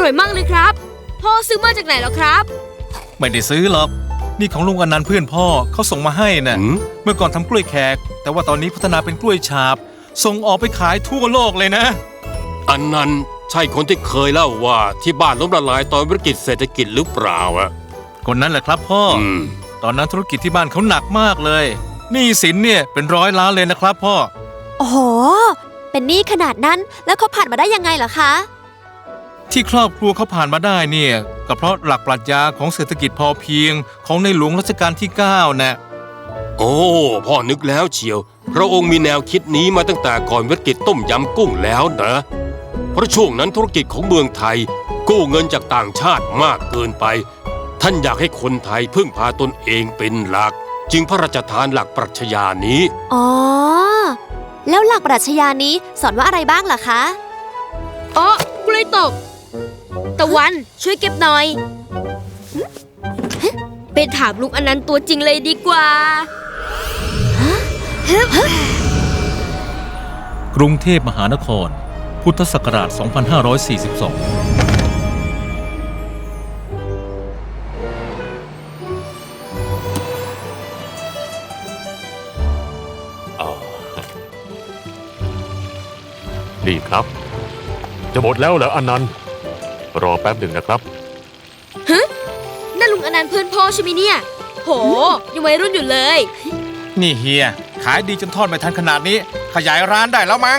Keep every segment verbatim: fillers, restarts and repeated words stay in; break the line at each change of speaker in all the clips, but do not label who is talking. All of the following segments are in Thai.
ร่อยมากเลยครับพ่อซื้อมาจากไหนเหรอครับ
ไม่ได้ซื้อหรอกนี่ของลุงอนันต์เพื่อนพ่อเขาส่งมาให้น่ะเมื่อก่อนทำกล้วยแขกแต่ว่าตอนนี้พัฒนาเป็นกล้วยฉาบส่งออกไปขายทั่วโลกเลยนะ
อันนั้นใช่คนที่เคยเล่าว่าที่บ้านล้มละลายตอนวิกฤตเศรษฐกิจหรือเปล่าอะ
คนนั้นแหละครับพ่อตอนนั้นธุรกิจที่บ้านเขาหนักมากเลยหนี้สินเนี่ยเป็นร้อยล้านเลยนะครับพ่อ
โอ้โหเป็นหนี้ขนาดนั้นแล้วเขาผ่านมาได้ยังไงเหรอคะ
ที่ครอบครัวเขาผ่านมาได้เนี่ยก็เพราะหลักปรัชญาของเศรษฐกิจพอเพียงของในหลวงรัชกาลที่เก้านะ
โอ้พ่อนึกแล้วเชียวพระองค์มีแนวคิดนี้มาตั้งแต่ก่อนวิกฤตต้มยำกุ้งแล้วนะเพราะช่วงนั้นธุรกิจของเมืองไทยกู้เงินจากต่างชาติมากเกินไปท่านอยากให้คนไทยพึ่งพาตนเองเป็นหลักจึงพระราชทานหลักปรัชญานี้
อ๋อแล้วหลักปรัชญานี้สอนว่าอะไรบ้างล่ะคะ
อ๋อกล้วยตกตะวันช่วยเก็บหน่อยไปถามลุงอนันต์ตัวจริงเลยดีกว่
ากรุงเทพมหานครพุทธศักราชสองพันห้าร้อยสี่สิบสอง
นี่ครับจะหมดแล้วเหรออนันต์รอแป๊บหนึ่งนะครับ
ฮะนั่นลุงอนันต์เพื่อนพ่อใช่ไหมเนี่ยโหยังวัยรุ่นอยู่เลย
นี่เฮียขายดีจนทอดไม่ทันขนาดนี้ขยายร้านได้แล้วมั้ง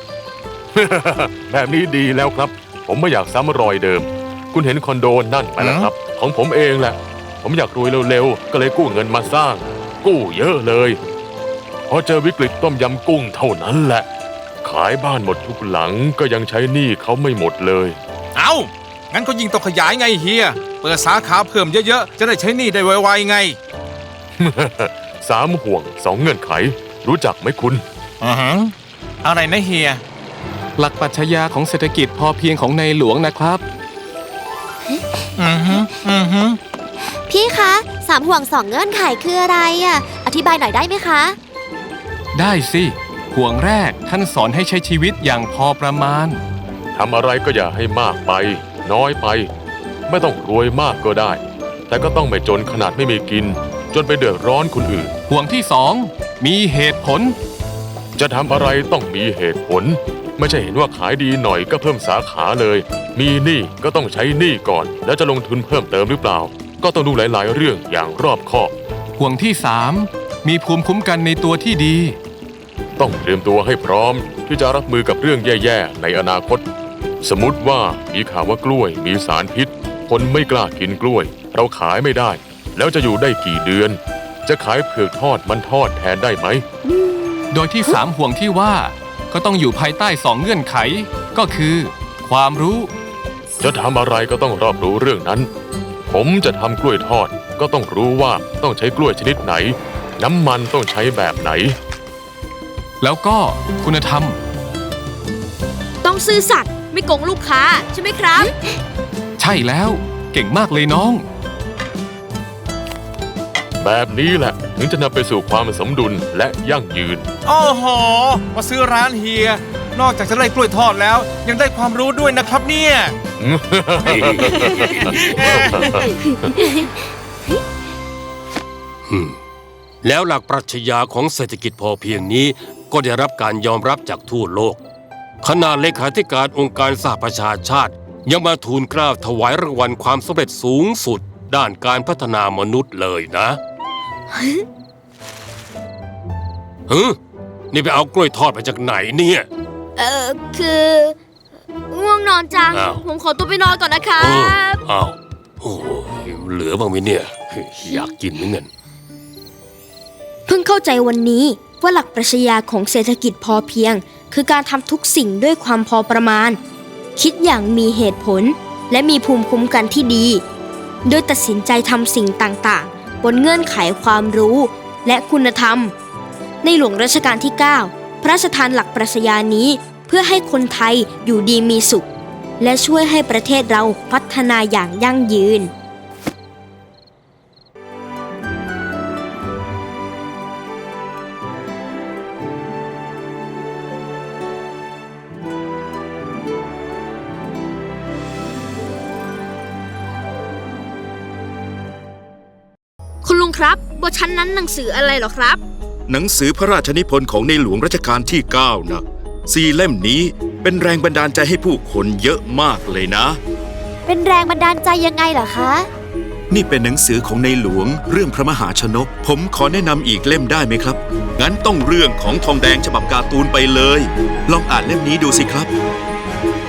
แบบนี้ดีแล้วครับผมไม่อยากซ้ำรอยเดิมคุณเห็นคอนโดนั่นไหมล่ะครับของผมเองแหละผมอยากรวยเร็วๆก็เลยกู้เงินมาสร้างกู้เยอะเลยพอเจอวิกฤตต้มยำกุ้งเท่านั้นแหละขายบ้านหมดทุกหลังก็ยังใช้หนี้เขาไม่หมดเลย
เอ้างั้นก็ยิ่งต้องขยายไงเฮียเปิดสาขาเพิ่มเยอะๆจะได้ใช้หนี้ได้ไวๆไง
สามห่วงสองเงื่อนไขรู้จักไหมคุณ
อือฮะอะไรนะเฮีย
หลักปรัชญาของเศรษฐกิจพอเพียงของในหลวงนะครับ
อือฮึอือฮึ
พี่คะสามห่วงสองเงื่อนไขคืออะไรอ่ะอธิบายหน่อยได้ไหมคะ
ได้สิห่วงแรกท่านสอนให้ใช้ชีวิตอย่างพอประมาณ
ทำอะไรก็อย่าให้มากไปน้อยไปไม่ต้องรวยมากก็ได้แต่ก็ต้องไม่จนขนาดไม่มีกินจนไปเดือดร้อนคนอื่น
ห่วงที่สองมีเหตุผล
จะทำอะไรต้องมีเหตุผลไม่ใช่เห็นว่าขายดีหน่อยก็เพิ่มสาขาเลยมีหนี้ก็ต้องใช้หนี้ก่อนแล้วจะลงทุนเพิ่มเติมหรือเปล่าก็ต้องดูหลายๆเรื่องอย่างรอบคอบ
ห่วงที่สามมีภูมิคุ้มกันในตัวที่ดี
ต้องเตรียมตัวให้พร้อมที่จะรับมือกับเรื่องแย่ๆในอนาคตสมมติว่ามีข่าวว่ากล้วยมีสารพิษคนไม่กล้ากินกล้วยเราขายไม่ได้แล้วจะอยู่ได้กี่เดือนจะขายเผือกทอดมันทอดแทนได้ไหม
โดยที่สามห่วงที่ว่าก็ต้องอยู่ภายใต้สองเงื่อนไขก็คือความรู้
จะทำอะไรก็ต้องรอบรู้เรื่องนั้นผมจะทำกล้วยทอดก็ต้องรู้ว่าต้องใช้กล้วยชนิดไหนน้ำมันต้องใช้แบบไหน
แล้วก็คุณธรรม
ต้องซื่อสัตย์ไม่โกงลูกค้าใช่ไหมครับ
ใช่แล้วเก่งมากเลยน้อง
แบบนี้แหละถึงจะนำไปสู่ความสมดุลและยั่งยืน
โอ้โหมาซื้อร้านเฮียนอกจากจะได้กล้วยทอดแล้วยังได้ความรู้ด้วยนะครับเนี่ย
แล้วหลักปรัชญาของเศรษฐกิจพอเพียงนี้ก็ได้รับการยอมรับจากทั่วโลกขณะเลขาธิการองค์การสหประชาชาติยังมาทูลเกล้าถวายรางวัลความสำเร็จสูงสุดด้านการพัฒนามนุษย์เลยนะฮึนี่ไปเอากล้วยทอดมาจากไหนเนี่ย
เออคือง่วงนอนจังผมขอตัวไปนอนก่อนนะครับ
อ้าวโอ้เหลือบ้างไหมเนี่ยอยากกินเหมือนกัน
เพิ่งเข้าใจวันนี้ว่าหลักปรัชญาของเศรษฐกิจพอเพียงคือการทำทุกสิ่งด้วยความพอประมาณคิดอย่างมีเหตุผลและมีภูมิคุ้มกันที่ดีโดยตัดสินใจทำสิ่งต่างๆบนเงื่อนไขความรู้และคุณธรรมในหลวงรัชกาลที่เก้าพระราชทานหลักปรัชญานี้เพื่อให้คนไทยอยู่ดีมีสุขและช่วยให้ประเทศเราพัฒนาอย่างยั่งยืนครับบทชั้นนั้นหนังสืออะไรเหรอครับ
หนังสือพระราชนิพนธ์ของในหลวงรัชกาลที่เก้านะสี่เล่มนี้เป็นแรงบันดาลใจให้ผู้คนเยอะมากเลยนะ
เป็นแรงบันดาลใจยังไงเหรอคะ
นี่เป็นหนังสือของในหลวงเรื่องพระมหาชนก ผมขอแนะนำอีกเล่มได้ไหมครับ งั้นต้องเรื่องของทองแดงฉบับการ์ตูนไปเลย ลองอ่านเล่มนี้ดูสิครับ